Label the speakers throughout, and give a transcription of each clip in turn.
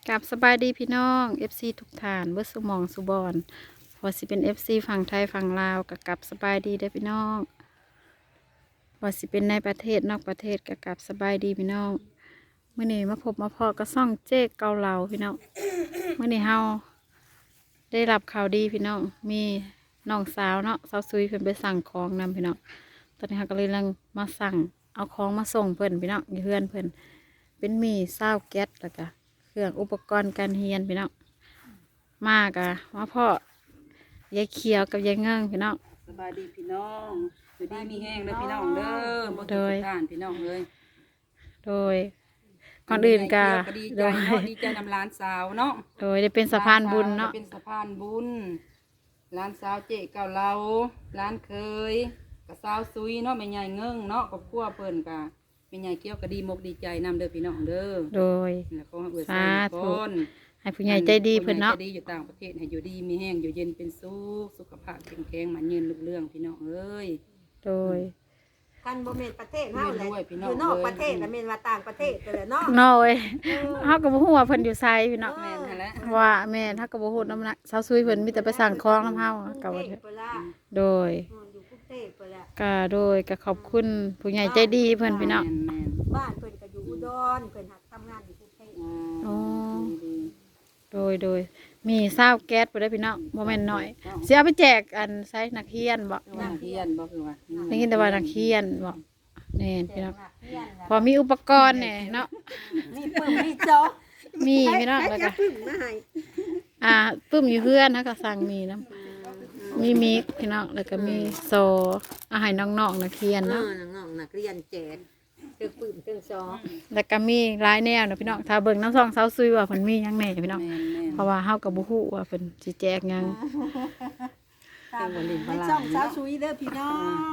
Speaker 1: กับสบายดีพี่น้อง FC ทุกท่านเบิดสุหมองสุบอนพอสิเป็น FC ฝั่งไทยฝั่งลาวกับสบายดีเด้อพี่น้องพอสิเป็นในประเทศนอกประเทศกับสบายดีพี่น้องเมื่อนี้มาพบมาพอก็ซ่องเจ๊เกาเหลาพี่น้องเมื่อนี้เฮาได้รับข่าวดีพี่น้องมีน้องสาวเนาะสาวซุยเพิ่นไปสั่งของนำพี่น้องตอนนี้เฮาก็เลยกำลังมาสั่งเอาของมาส่งเพิ่นพี่น้องอยู่เพื่อนเพิ่นเป็นหมี่ซาวแก๊สแล้วก็เครื่องอุปกรณ์การเรียนพี่น้องมากอะว่าพ่อยายเขียวกับยายเงิงพี่น้อง
Speaker 2: สบายดีพี่น้องอยู่ดีมีแห้งเด้อพี่น้องเด้อบ่ทุกท่านพี่น้องเลย
Speaker 1: โดยก่อนอื่นก็
Speaker 2: ดี
Speaker 1: โด
Speaker 2: ใจ
Speaker 1: ย
Speaker 2: เนาะดีใจนำหลานสาวเนาะ
Speaker 1: โดยได้เป็นสะพานบุญเนาะ
Speaker 2: เป็นสะพานบุญหลานสาวเจ๊เก่าเราหลานเคยกับสาวซุยเนาะแม่ใหญ่เงิงเนาะครอบครัวเพิ่นก็แม่ใหญ่เกี่ยวก็ดีมกดีใจนำเด้อพี่น้องเด้อ
Speaker 1: โดย
Speaker 2: แล้วก็เอื้อ
Speaker 1: สา
Speaker 2: ใส่
Speaker 1: ธุ
Speaker 2: คน
Speaker 1: ให้ผู้ใหญ่ใจดีเพิ่นเนาะ
Speaker 2: ผู้ใหญ่ใจดีอยู่ต่างประเทศให้อยู่ดีมีแห้งอยู่เย็นเป็นสุขภาพแข็งแรงมันยืนรุ่งเรืองพี่น้องเอ้ย
Speaker 1: โดย
Speaker 3: คันบ่แม่นประเทศเฮาแหละ
Speaker 2: แม่นด้วยพี่น้อง
Speaker 3: อยู่นอกประเทศแล้วแม่นว่าต่างประเทศก็แหละเนาะ
Speaker 1: น้อยเฮาก็บ่ฮู้ว่าเพิ่นอยู่ไสพี่น้อง
Speaker 2: แม่นหั่นแหละ
Speaker 1: ว่าแม่นเฮาก็บ่ฮู้นำนะสาวซุยเพิ่นมีแต่ไปสั่งของนำเฮาก็ว่า
Speaker 3: เทพเพิ่นละ
Speaker 1: โดย
Speaker 3: อยู่กรุงเทพเพิ่นละ
Speaker 1: ก็โดยก็ขอบคุณผู้ใหญ่ใจดีเพิ่นพี่น้อง
Speaker 2: แม่น
Speaker 3: บ้านเพิ่นก็อยู่อุดรเพิ่นหักทำงานอยู่กรุงเทพ
Speaker 2: ๆ
Speaker 1: อ๋อ
Speaker 2: ดี
Speaker 1: โดยมีซาวแก๊สบ่ได้พี่น้องบ่แม่นน้อยสิเอาไปแจกอันไสนักเรียนบ่
Speaker 2: ๆนักเรียนบ่คือว่า
Speaker 1: ได้ยินแต่ว่านักเรียนบ่แน่นพี่น้อง
Speaker 3: เฮียน
Speaker 1: พอมีอุปกรณ์เนี่ยเนาะ
Speaker 3: มีปึ้มมีโจ๊ก
Speaker 1: มีพี่น้องแล้วก็
Speaker 3: ปึ้มมาให้
Speaker 1: ปึ้มอยู่เพื่อนนะก็สั่งมีน้ำมีมิกพี่น้องแล้วก็มีโซอาหารน้องๆนักเรียนเนาะ
Speaker 3: น้องๆนักเรียนแจกเตึกปึ้มตึกซอ
Speaker 1: แล้วก็มีหลายแนวเนาะพี่น้องถ้าเบิ่งน้ำซองเซาซุยว่าเพิ่นมีหยังแหน่พี่น้อง
Speaker 2: แม่น
Speaker 1: เพราะว่าเฮาก็บ่ฮู้ว่าเพิ่นสิแจกหยัง
Speaker 3: ตามในช่องสาวชุยเด้อพี่น้อง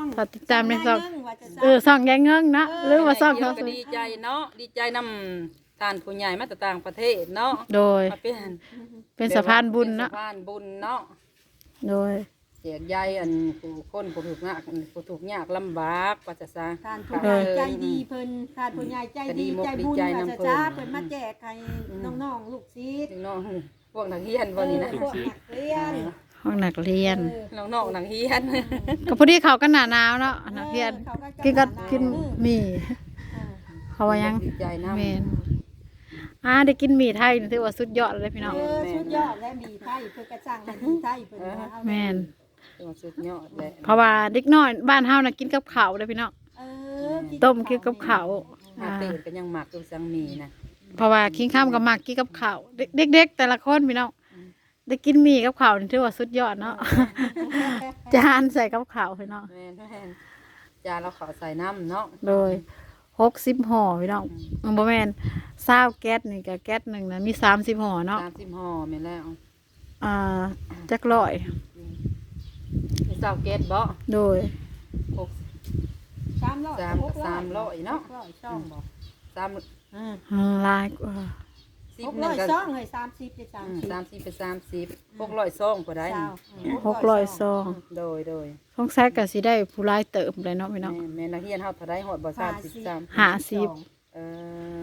Speaker 1: ถ้าติดตามในซอง
Speaker 3: ว่าจะ
Speaker 1: ซองยายเงิงเนาะหรือว่าซอง
Speaker 2: เกี่ย
Speaker 1: เซาว
Speaker 2: ก็
Speaker 1: ซุย
Speaker 2: ดีใจเนาะดีใจนำท่านผู้ใหญ่มาจากต่างประเทศเนาะ
Speaker 1: โดย
Speaker 2: มา
Speaker 1: เป็นสะพานบุญเนาะ
Speaker 2: สะพานบุญเนาะ
Speaker 1: โดย
Speaker 2: แจกใยอันผู้คนผู้ถูกยากลำบากว่าจะซะ
Speaker 3: ท่านผู้ใหญ่ใจดีเพิ่นท่านผู้ใหญ่ใจดีใจบุญว่าจะจ้าเพิ่นมาแจกให้น้องๆลูกศิษย์
Speaker 2: ถึงน้องพวกนักเรียนบ่นี่นะ
Speaker 3: พวกนักเรียน
Speaker 1: ห้องนักเรียน
Speaker 2: น้องๆนักเรียน
Speaker 1: ก็พอดีเขาก็หนาหนาวเนาะนักเรียนกินหมี่เขาว่ายัง
Speaker 2: ดีใจนำ
Speaker 1: แมนได้กินหมี่ไทยนี่ถือว่าสุดยอดเลยพี่น้อง
Speaker 3: ชุดยอดและมีไทยเพิ่นกระจังให้มีไทยเพิ่นเอา
Speaker 1: แมน
Speaker 2: ตัวสุดยอดเลย
Speaker 1: เพราะว่าเด็กน้อยบ้านเฮาน่ะกินกับข้าวเลยพี่น้องต้มกินกับข้าว
Speaker 2: มาเตะก็ยังหมักอยู่สังมีนะ
Speaker 1: เพราะว่าคิงข้ามกับหมักกินกับข้าวเด็กๆแต่ละคนพี่น้องได้กินหมี่กับข้าวนี่ถือว่าสุดยอดเนาะ จานใส่กับข้าวพี่น้อง
Speaker 2: แม่นจานเราขอใส่น้ำเนาะ
Speaker 1: โดย60ห่อพี่น้องบ่แม่น20แก๊สนี่ก็แก๊สหนึงนะมี30ห่อเนาะ
Speaker 2: 30ห่อแม่นแล้ว
Speaker 1: จักร้อย
Speaker 2: มีเสาเกตบ่
Speaker 1: โดย
Speaker 2: 300เนาะ
Speaker 3: ช่องบ่
Speaker 2: 3
Speaker 1: ลายกว่า
Speaker 2: 10นึงก็
Speaker 3: ช่องให้30เป็น30
Speaker 2: 30เป็น30 600ซองก็ได้
Speaker 1: 600ซอง
Speaker 2: โดย
Speaker 1: สงสัยก็สิได้ผู้ร้ายเติมเลยเนาะพี่น้อง
Speaker 2: แม่นักเรียนเฮาเท่าได้ฮอดบ่33
Speaker 1: 50
Speaker 2: เออ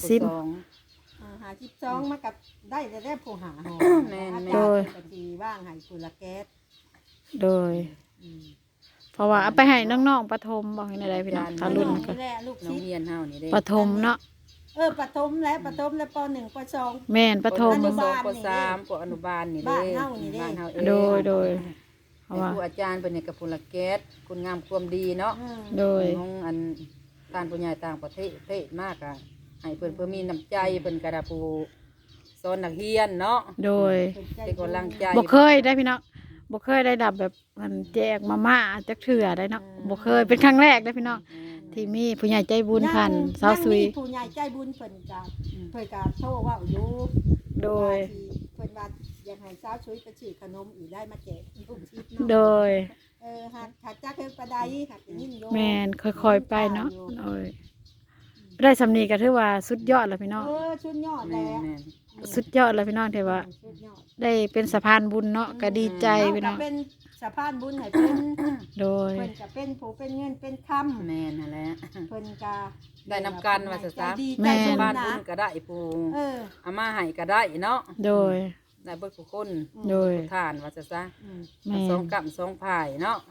Speaker 3: 52มากับได้แต่ผู้หาหอ
Speaker 1: โดย
Speaker 3: ก็สิว่างให้ผู้ละแก๊ส
Speaker 1: โดย เพราะว่าเอาไปให้น้องๆประถมบอกให้ได้พี่น้องถ้ารุ่นก็
Speaker 3: แหละลูก
Speaker 2: น้อง
Speaker 3: ศิษย์
Speaker 2: เรียนเฮานี่เด้
Speaker 1: ประถมเนาะ
Speaker 3: ประถมและป .1 ป .2
Speaker 1: แม่นประถม
Speaker 3: อนุบาล
Speaker 2: ป3ปอนุบาลนี่เด้
Speaker 3: บ้านเฮานี่เด้
Speaker 2: บ้านเฮาเอง
Speaker 1: โดยเพราะว่า
Speaker 2: ครูอาจารย์เป็นเนี่ยกับพลแก๊สคุณงามความดีเนาะ
Speaker 1: โดย
Speaker 2: ของอันการผู้ใหญ่ต่างประเทศมากอ่ะให้เพิ่นเพื่อมีน้ำใจเพิ่นกระดาผู้สอนนักเรียนเนาะ
Speaker 1: โดย
Speaker 2: เป็นกำลังใจ
Speaker 1: บ่เคยได้พี่น้องบ่เคยได้ดับแบบมันแจกมาม่าจักเถื่อได้เนาะบ่เคยเป็นครั้งแรกได้พี่น้องที่มีผู้ใหญ่ใจบุญพันสาวซุย
Speaker 3: ผู้ใหญ่ใจบุญเพิ่นก็โทรว่าอยู่
Speaker 1: โดย
Speaker 3: เพิ่นว่าอยากให้สาวซุยไปซื้อขนมอีกได้มาแจกลูกศิษย์เนาะ
Speaker 1: โดย
Speaker 3: หากจักเฮ็ดปานใดหากยินโย
Speaker 1: แม่นค่อยๆไปเนาะโดยได้สำนีก็ถือว่าสุดยอดแล้วพี่น้อง
Speaker 3: ชุดยอด
Speaker 2: แม่
Speaker 3: แล้ว
Speaker 2: แม่
Speaker 1: สุดยอดแล้วพี่น้องที่ว่า
Speaker 3: ชุดยอด
Speaker 1: ได้เป็นสะพานบุญเนาะก็ดีใจพี่น้อง
Speaker 3: เป็นสะพานบุญให้เพิ่น
Speaker 1: โดย
Speaker 3: เพิ่นก็เป็นผู้เป็นเงินเป็นคำ
Speaker 2: แม่นนั่นแหละ
Speaker 3: เพิ่นก็
Speaker 2: ได้นำกันว่าซะ
Speaker 3: ใจ
Speaker 2: ซะ
Speaker 3: ดี
Speaker 1: แม่
Speaker 3: ใจ
Speaker 1: น
Speaker 3: บุญ
Speaker 2: บ้าน
Speaker 3: นะ
Speaker 2: บุญก็ได้ผู้
Speaker 3: เออ
Speaker 2: เอามาให้ก็ได้เนาะ
Speaker 1: โดย
Speaker 2: ได้เบิดทุกคน
Speaker 1: โดย
Speaker 2: ทานว่าซะซะ
Speaker 1: แม่น
Speaker 2: สองกับสองพายเนาะ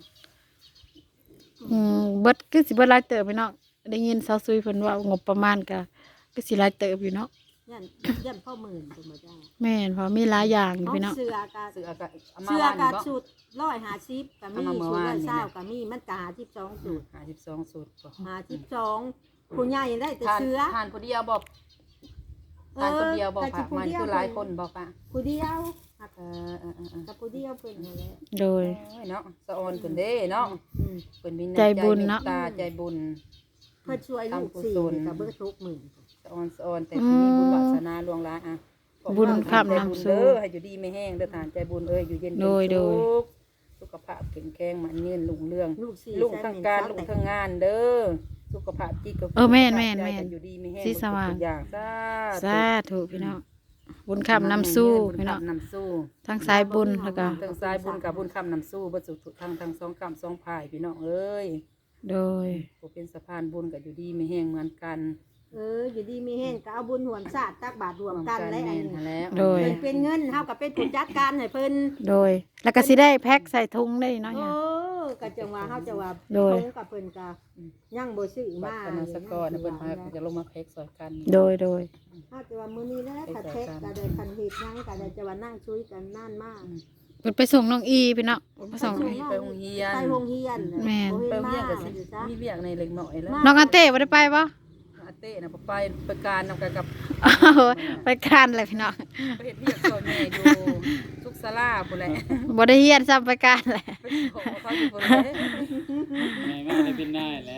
Speaker 1: เบิดคือสิเบิดหลายเติบพี่น้องได้ยินสาวซุยเพิ่นว่างบประมาณก็สิหลายเติบอยู่เนาะ
Speaker 3: ยันพ่อหมื่นเป็นบ่ได้
Speaker 1: แม่นเพราะมีหลายอย่างอยู่
Speaker 3: เอา
Speaker 1: พี่น้อง
Speaker 3: เสือกะ
Speaker 2: เสือก็เอามา
Speaker 3: เสือ
Speaker 2: ว่าน
Speaker 3: กะ
Speaker 2: บ่
Speaker 3: ชุด150ก็มี
Speaker 2: เอามาเมื่อ
Speaker 3: ชุด
Speaker 2: วานนี่นะ
Speaker 3: 120ก็มีมันก็52ชุด
Speaker 2: 52สูตรบ่
Speaker 3: 52ผู้ใหญ่ได้แต่
Speaker 2: ทาน
Speaker 3: เสือ
Speaker 2: ทานผู้เดียวบ่ทานคนเดียวบ่
Speaker 3: แต่
Speaker 2: ค่ะ
Speaker 3: ผู้
Speaker 2: มัน
Speaker 3: เดียว
Speaker 2: คือหลายคนบ่ป่ะ
Speaker 3: ผู้เดียว
Speaker 2: เออ
Speaker 3: กับผู้เดียวเพิ่นนั่นแหละ
Speaker 1: โดย
Speaker 2: โอ้ยเนาะสะออนเพิ่นเด้เนาะ
Speaker 3: อืม
Speaker 2: เพิ่นมีำ
Speaker 1: ใจบุญเนาะ
Speaker 2: มตตาใจบุญ
Speaker 3: เพิ่นช่วยลูกสี่ก็เบิดทุกมื้อ
Speaker 2: สะออนแต่ที่มีบุญวาสนาล่วงหลายอ่ะ
Speaker 1: บุญข้าม
Speaker 2: ใจบุญ
Speaker 1: น้ำสู่
Speaker 2: เด้อให้อยู่ดีไม่แห้งเด้อทานใจบุญเอ้ยอยู่เย็นเป็น
Speaker 1: โดย
Speaker 2: สุขสุขภาพแข็งแรงมันเงินรุ่งเรือง
Speaker 3: ลูกสี่
Speaker 2: ลุงทั้งการลุงทั้งงานเด้อสุขภาพจิตกับ
Speaker 1: แม่น
Speaker 2: สุขภาพ
Speaker 1: แม่น
Speaker 2: ใจ
Speaker 1: แม่น
Speaker 2: กันอยู่ดีไม่แห้ง
Speaker 1: สีสว่าง
Speaker 2: ทุกอย่างสา
Speaker 1: สาธุพี่น้องบุญคำนำสู้
Speaker 2: บุญ
Speaker 1: พี่น้อง
Speaker 2: คำนำสู้
Speaker 1: ทั้งสายบุญแล้วก็
Speaker 2: ทั้งสายบุญกับบุญคำนำสู้บ่สุขทั้งสองคำสองพายพี่น้องเอ้ย
Speaker 1: โดย
Speaker 2: ผู้เป็นสะพานบุญกับอยู่ดีไม่แห้งเหมือนกัน
Speaker 3: อยู่ดีมีแห้งก็เอาบุญหวมชาติตักบาตรรวมกันและอัน
Speaker 2: แม่น
Speaker 3: นี้
Speaker 2: หั่นแล้ว
Speaker 1: โดย
Speaker 3: เพิ่นเป็นเงินเฮาก็เป็นผู้จัดการให้เพิ่น
Speaker 1: โดย แล้วก็สิได้แพ็คใส่ถุงได้เนาะ
Speaker 3: โอ้
Speaker 1: เนี่ย
Speaker 3: ก็จังว่าเฮาจะว่า
Speaker 1: โดย
Speaker 3: เพิ่นกับเพิ่นก็ยังบ่ซื้อ
Speaker 2: บั
Speaker 3: มา
Speaker 2: ตรคณะสกอร์นะเพิ่นพาจะลงมาแพ็กซอยกัน
Speaker 1: โดย
Speaker 3: เฮาจะว่ามื้อนี้แหละถ้าแท็กก็ได้คันเฮ็ดหยังก็ได้จะว่านั่งคุยกันนานมาก
Speaker 1: เพิ่นไปส่งน้องอีพี่น้องไปส่ง
Speaker 2: ไปโรงเรียน
Speaker 3: ไปโรงเรียน
Speaker 1: แม่น
Speaker 3: บ่
Speaker 2: ไป
Speaker 3: เห็น
Speaker 2: โรง
Speaker 3: มา
Speaker 2: เรียนก็สิ
Speaker 3: อยู่จ้ะ
Speaker 2: มีเวียกในเล็กน้อยแล้ว
Speaker 1: น้องอาเต้บ่ได้ไปบ่
Speaker 2: อาเต้น่ะไปการนำกันกับ
Speaker 1: ไปการเลยพี่น้อง
Speaker 2: ไปเฮ็ดเวียกซอยแม่อยู่ทุกศาลาพุ่นแหละ
Speaker 1: บ่ได้เฮียนซ้ำไปการแหละ
Speaker 2: ไปขอเขาอยู่พุ่นเลย
Speaker 4: แม่ไม่ได้เป็นได้แหละ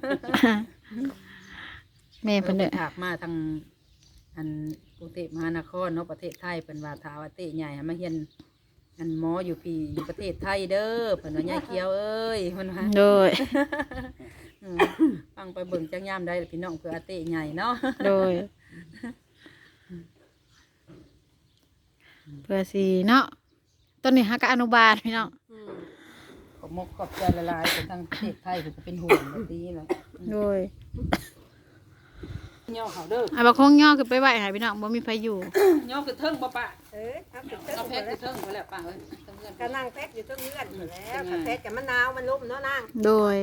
Speaker 1: แม่เพิ่นเด้อ
Speaker 2: ถากมาทางอันกรุงเทพมหานครเนาะประเทศไทยเพิ่นว่าถ้าว่าเต้ใหญ่ให้มาเรียนอันหมออยู่พี่อยู่ประเทศไทยเด้อเพิ่นว่ายายเขียวเอ้ยเพิ่นว่า
Speaker 1: โดย
Speaker 2: ฟังไปเบิ่งจังยามได้ล่ะพี่น้องเพื่ออาเต้ใหญ่เนาะ
Speaker 1: โดย เพื่อสิเนาะต้นนี้ฮักกะอนุบาลพี่น้อง
Speaker 2: ขอบมกขอบใจละลายเป็นทางประเทศไทยเพิ่นก็เป็นห่วงแบบนี้แหละ
Speaker 1: โดย
Speaker 2: ย่อเขาเด้อ
Speaker 1: อ่ะบ่คงย่อขึ้นไปไหวให้พี่น้องบ่มีไผอยู่
Speaker 2: ย่อคือเทิงบ่ปะ
Speaker 3: ครับถึง
Speaker 2: เอาแพ็คคือเทิงไปแล้วปะเอ้ยเทิงเงิน
Speaker 3: ก็นั่งแพ็กอยู่เทั้งเรือนอยู่แล้วถ้าแพ็กกับมะนาวมันล่มเนาะนาง
Speaker 1: โดย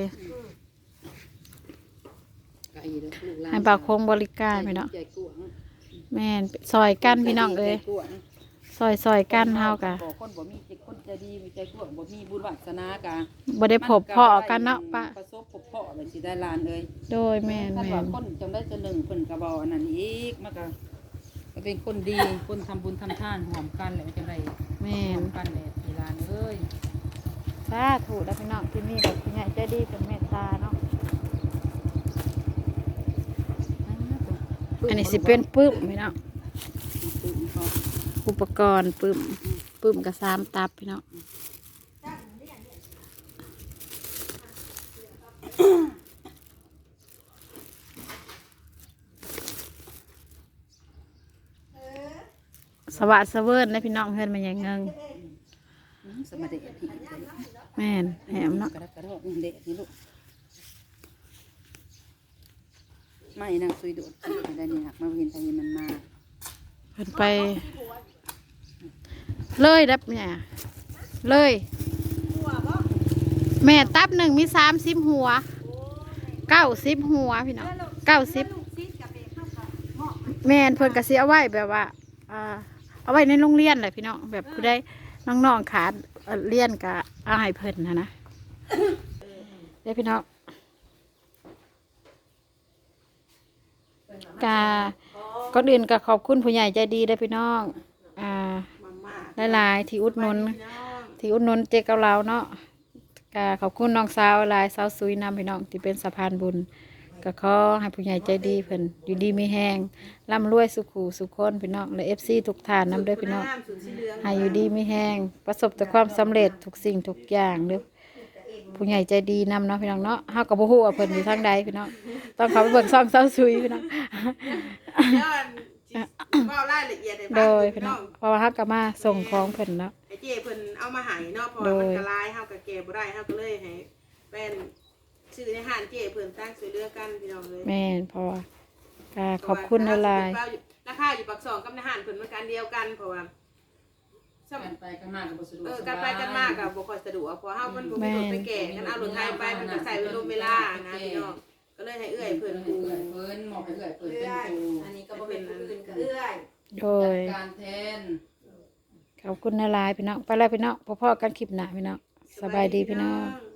Speaker 2: ไก่เด้อลูกหลาน
Speaker 1: ให้บ่าวคงบริการพี่น้อง
Speaker 2: ใจกวาง
Speaker 1: แม่นซอยกันพี่น้องเอ้ย
Speaker 2: ใจกวาง
Speaker 1: ซอยกันเฮากะ
Speaker 2: คนบ่มีจิตคนใจดีมีใจกวางบ่มีบุญวาสนากะ
Speaker 1: บ่ได้พบพ่อกันเนาะป้า
Speaker 2: ประสบพบพ่อเลยสิได้หลานเอ้ย
Speaker 1: โดยแม่น
Speaker 2: ถ้า
Speaker 1: แม่
Speaker 2: ว่าน คนจำได้จะหนึ่งเพิ่นก็บ่อันนั้นอีกมันก็เป็นคนดีคนทำบุญทำทานหอมกันแหละจังได๋
Speaker 1: แม่
Speaker 2: หอน มกันแหละที่หลานเอ้ย
Speaker 1: สาธุแล้วพี่น้องที่นี่แบบผู้ใหญ่ใจดีเป็นเมตตาเนาะอันนี้สิเป็นปึ้มพี่น้องอุปกรณ์ปึ้มกับ3ตับพี่น้องสวัสดิ์เสเวิร์นนะพี่น้องเฮือนมันยังเงิง
Speaker 2: สมาเดะพี่
Speaker 1: แม่นแหมเนาะ
Speaker 2: กระดับกระดอกเดะนี่ลูกไม่นางซุยโดดที่ได้นี่หักมาเห็นทางนี้มันมา
Speaker 1: เพิ่นไป เลยดับเนี่ยเลย แม่ตับหนึ่งมี30 หัว90 หัวพี่น้อง90แม่นเพิ่นก็สิเอาไว้แบบว่าเอาไว้ในโรงเรียนแหละพี่น้องแบบผู้ใดน้องๆขาดเรียนก็เอาให้เพิ่นนะเด้พี่น้องก่อนอื่นก็ขอบคุณผู้ใหญ่ใจดีเด้อพี่น้องหลายๆที่อุดหนุนเจ๊กับเราเนาะก็ขอบคุณน้องสาวหลายสาวซุยนำพี่น้องที่เป็นสะพานบุญก็ขอให้ผู้ใหญ่ใจดีเพิ่นอยู่ดีมีแห้งร่ำรวยสุขูสุขคนพี่น้องและFCทุกท่านนำเด้อพี่น้องให้อยู่ดีมีแห้งประสบแต่ความสำเร็จทุกสิ่งทุกอย่างเด้อผู้ใหญ่ใจดีนำเนาะพี่น้องเนาะเฮาก็บ่ฮู้ว่าเพิ่นอยู่ทางใดพี่น้องต้องเข้าไปเบิ่งซ่องสาวซุยพี่น้อง
Speaker 5: ก็รายละเอียดให้ฟัง
Speaker 1: โดย
Speaker 5: พี่
Speaker 1: พี่
Speaker 5: น้
Speaker 1: น้
Speaker 5: อ
Speaker 1: อง งเพราะว่าเฮาก็มาส่งของเพิ่นเนาะ
Speaker 5: ไอ้เจ้เพิ่นเอาเอามาให้เนาะเพราะว่ามันก็หลายเฮาก็แก่บ่ได้เฮาก็เลยให้เป็นชื่อในห้านเจ้เพิ่นตั้งช่วยเหลือกันพี่น้องเลย
Speaker 1: แม่นเพราะว่าก็ขอบคุณหลาย
Speaker 5: ราคาอยู่ปากซองกับในห้านเพิ่นมันกันเดียวกันเพราะว่า
Speaker 2: กันไปกันมากก็บ่สะดวก
Speaker 5: กันไปกันมากก็บ่ค่อยสะดวกเพราะเฮามันบ่มีรถไปแก่กันเอารถไทยไปมันก็ใส่เวลานะพี่น้องก็เลยให้เอื้อยเพิ่น
Speaker 2: เอื้อยเพิ่นหมอกให้เอื้อยเพิ่นเป็นครู
Speaker 3: อันนี้ก็บ่เป็นผู้อื่นก็เอื้อย
Speaker 1: ๆโดย
Speaker 2: การแทน
Speaker 1: ขอบคุณหลายๆพี่น้องไปแล้วพี่น้องพ่อๆกันคลิปหน้าพี่น้องสบายดีพี่น้อง
Speaker 5: อง